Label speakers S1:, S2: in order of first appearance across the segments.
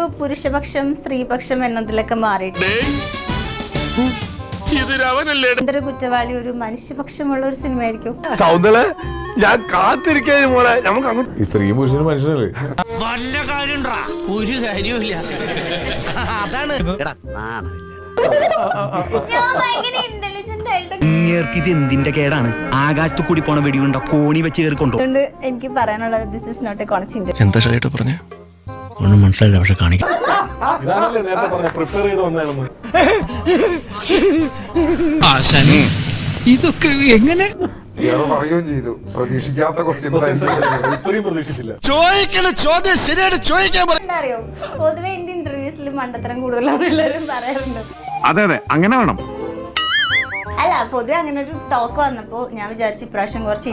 S1: പുരുഷപക്ഷം സ്ത്രീപക്ഷം എന്നതിലൊക്കെ മാറിയിട്ട് എന്തൊരു കുറ്റവാളി ഒരു മനുഷ്യപക്ഷമുള്ള ഒരു സിനിമ ആയിരിക്കും.
S2: ഞാൻ കാത്തിരിക്കാനും മോളെ നമുക്ക്
S3: ഈ സ്ത്രീ പുരുഷന് മനുഷ്യനല്ലേ?
S4: വല്ല കാര്യം ഒരു കാര്യമില്ല. അതാണ്
S1: ഞാൻ ഭയങ്കര ഇന്റലിജന്റ് ആയിട്ട്
S5: ഇത് എന്തിന്റെ കേടാണ്? ആകാശത്ത് കൂടി പോണ വെടിയുണ്ടോ കോണി വെച്ച് കയറിക്കൊണ്ടു.
S1: എനിക്ക് പറയാനുള്ളത് this is not a consent.
S4: എന്താ ശരിയായിട്ട് പറഞ്ഞ
S5: ഒന്നും മനസ്സിലായില്ല, പക്ഷെ കാണിക്കാം.
S3: ഇതാണല്ലേ നേരത്തെ പറഞ്ഞ പ്രിപ്പയർ ചെയ്ത് വന്നതാണെന്ന്.
S4: ഇതൊക്കെ എങ്ങനെ
S2: പറയുകയും ചെയ്തു. പ്രതീക്ഷിക്കാത്ത
S3: ഇത്രയും പ്രതീക്ഷിച്ചില്ല.
S4: ചോദിക്കണ ചോദ്യം ശരിയായിട്ട് ചോദിക്കാൻ
S1: അറിയോ, പൊതുവെ എന്റെ ഇന്റർവ്യൂസിൽ മണ്ടത്തരം കൂടുതലാണ് എല്ലാവരും പറയാറുണ്ട്.
S2: അതെ അതെ അങ്ങനെ വേണം.
S1: അല്ല, പൊതുവെ അങ്ങനെ ഒരു ടോക്ക് വന്നപ്പോ ഞാൻ വിചാരിച്ചു ഇപ്രാവശ്യം കുറച്ച്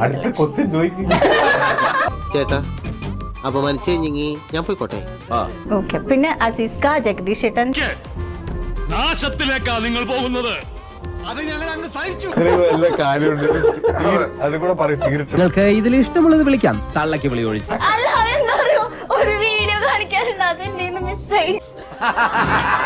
S6: ചേട്ടാ അപമാനിച്ചു കഴിഞ്ഞെങ്കി ഞാൻ പോയിക്കോട്ടെ.
S1: ഓക്കെ. പിന്നെ അസീസ്ക, ജഗദീഷ് ഏട്ടൻ,
S4: നാശത്തിലേക്കാ നിങ്ങൾ പോകുന്നത്.
S3: എല്ലാ കാര്യമുണ്ട്. അത് കൂടെ പറയും.
S5: നിങ്ങൾക്ക് ഇതിൽ ഇഷ്ടമുള്ളത് വിളിക്കാം. തള്ളക്ക് വിളി ഒഴിച്ച്
S1: അല്ല അതെന്താ അറിയോ, ഒരു വീഡിയോ കാണിക്കാറുണ്ട്, അതെന്റെ മിസ്സായി.